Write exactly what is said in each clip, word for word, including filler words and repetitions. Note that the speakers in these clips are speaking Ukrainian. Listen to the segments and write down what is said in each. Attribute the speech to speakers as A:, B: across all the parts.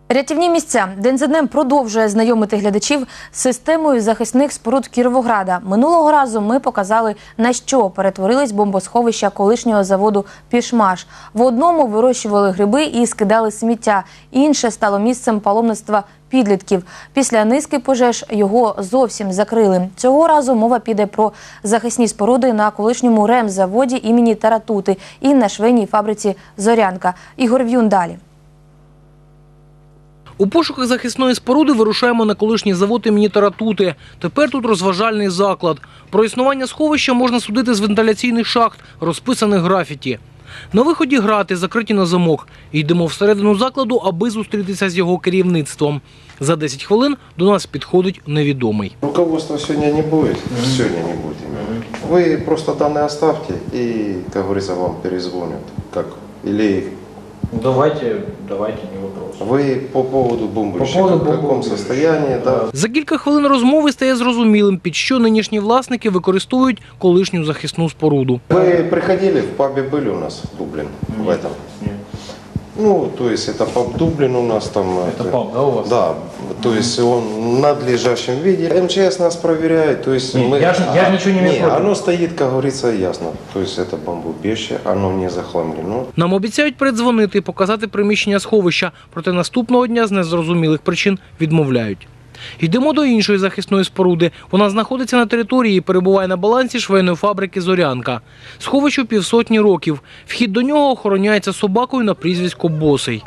A: Рятівні місця. День за днем продовжує знайомити глядачів з системою захисних споруд Кіровограда. Минулого разу ми показали, на що перетворились бомбосховища колишнього заводу «Пішмаш». В одному вирощували гриби і скидали сміття. Інше стало місцем паломництва підлітків. Після низки пожеж його зовсім закрили. Цього разу мова піде про захисні споруди на колишньому ремзаводі імені Таратути і на швейній фабриці «Зорянка». Ігор В'юн далі.
B: У пошуках захисної споруди вирушаємо на колишній завод імені Таратути. Тепер тут розважальний заклад. Про існування сховища можна судити з вентиляційних шахт, розписаних графіті. На виході грати, закриті на замок. Йдемо всередину закладу, аби зустрітися з його керівництвом. За десять хвилин до нас підходить невідомий.
C: Руководства сегодня не будет, mm-hmm. сегодня не будет. Mm-hmm. Вы просто данные оставьте и, как говорится, вам перезвонят. Как? Или...
D: Давайте, давайте, не вопрос.
C: Ви по поводу бомбища,
D: по поводу
C: в якому стані, да?
B: За кілька хвилин розмови стає зрозумілим, під що нинішні власники використовують колишню захисну споруду.
C: Ви приходили, в пабі були у нас Дублін, в этом?
D: Нет.
C: Ну, то есть это паб Дублин у нас там.
D: Это паб, да, у вас?
C: Да, то есть он в надлежащем виде. МЧС нас проверяет, то есть
D: Нет,
C: мы...
D: я же, я же ничего не имею
C: Не,
D: против.
C: оно стоит, как говорится, ясно. То есть это бомбоубежище, оно не захламлено.
B: Нам обіцяють передзвонити і показати приміщення сховища, проте наступного дня з незрозумілих причин відмовляють. Йдемо до іншої захисної споруди. Вона знаходиться на території і перебуває на балансі швейної фабрики «Зорянка». Сховищу півсотні років. Вхід до нього охороняється собакою на прізвисько Босий.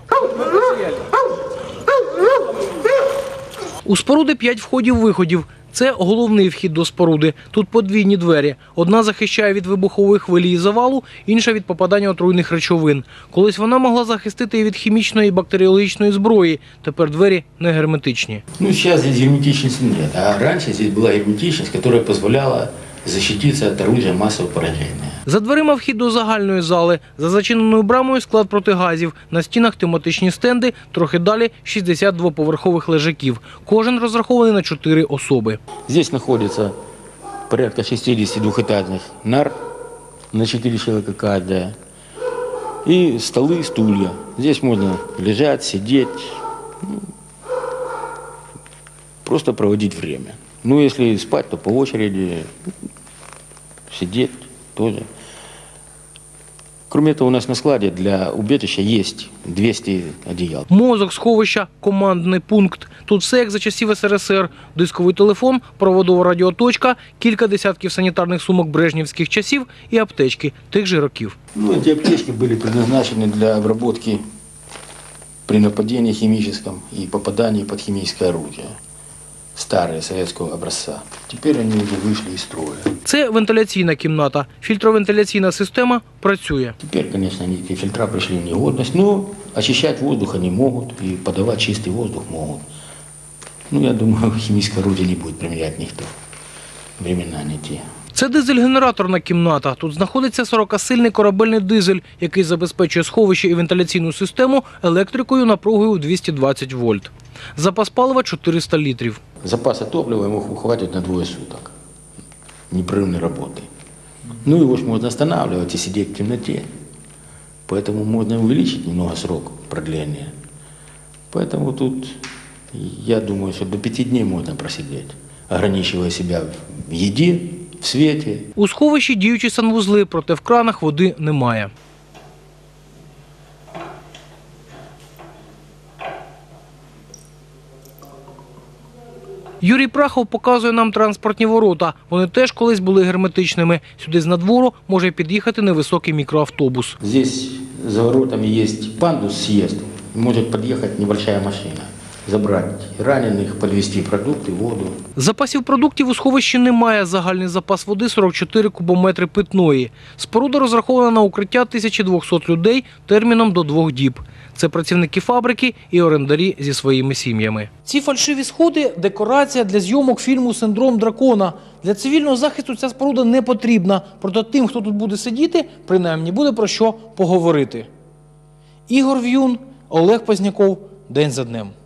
B: У споруди п'ять входів-виходів. Це головний вхід до споруди. Тут подвійні двері. Одна захищає від вибухової хвилі і завалу, інша від попадання отруйних речовин. Колись вона могла захистити і від хімічної і бактеріологічної зброї. Тепер двері не герметичні.
E: Ну, сейчас здесь герметичности нет, а раньше здесь была герметичность, которая позволяла защититься от орудия массового поражения.
B: За дверима вхід до загальної зали. За зачиненою брамою склад протигазів. На стінах тематичні стенди, трохи далі шістдесят двоповерхових лежаків. Кожен розрахований на чотири особи.
E: Здесь находится порядка шестидесяти двухэтажных нар на четыре человека каждая. И столы, стулья. Здесь можно лежать, сидеть, ну, просто проводить время. Ну, если спать, то по очереди, сидеть тоже. Кроме того, у нас на складе для убежища есть двести одеял.
B: Мозок сховища – командний пункт. Тут все як за часів ес ер ес ер. Дисковий телефон, проводова радіоточка, кілька десятків санітарних сумок брежнівських часів і аптечки тих же років.
E: Ну, эти аптечки были предназначены для обработки при нападении химическом и попадании под химическое орудие. Старые советского образца. Теперь они уже вышли из строя.
B: Це вентиляційна кімната. Фільтровентиляційна система працює.
E: Теперь, конечно, они, эти фильтра пришли в негодность, но очищать воздух они могут и подавать чистый воздух могут. Ну, я думаю, химическое орудие не будет применять никто. Времена не те.
B: Це дизель-генераторна кімната. Тут знаходиться сорокасильний корабельний дизель, який забезпечує сховище і вентиляційну систему електрикою напругою у двісті двадцять вольт. Запас палива – чотириста літрів.
E: Запаса топлива ему хватит на двое суток непрерывной работы. Ну, его же можно останавливать и сидеть в темноте. Поэтому можно увеличить немного срок продления. Поэтому тут, я думаю, что до пяти дней можно просидеть, ограничивая себя в еде, в світі.
B: У сховищі діючі санвузли, проте в кранах води немає. Юрій Прахов показує нам транспортні ворота. Вони теж колись були герметичними. Сюди з надвору може під'їхати невисокий мікроавтобус.
E: Здесь за воротами є пандус съезд. Може під'їхати небольшая машина. Забрати ранених, підвезти продукти, воду.
B: Запасів продуктів у сховищі немає. Загальний запас води – сорок чотири кубометри питної. Споруда розрахована на укриття тисячі двохсот людей терміном до двох діб. Це працівники фабрики і орендарі зі своїми сім'ями. Ці фальшиві сходи – декорація для зйомок фільму «Синдром дракона». Для цивільного захисту ця споруда не потрібна. Проте тим, хто тут буде сидіти, принаймні буде про що поговорити. Ігор В'юн, Олег Позняков. День за днем.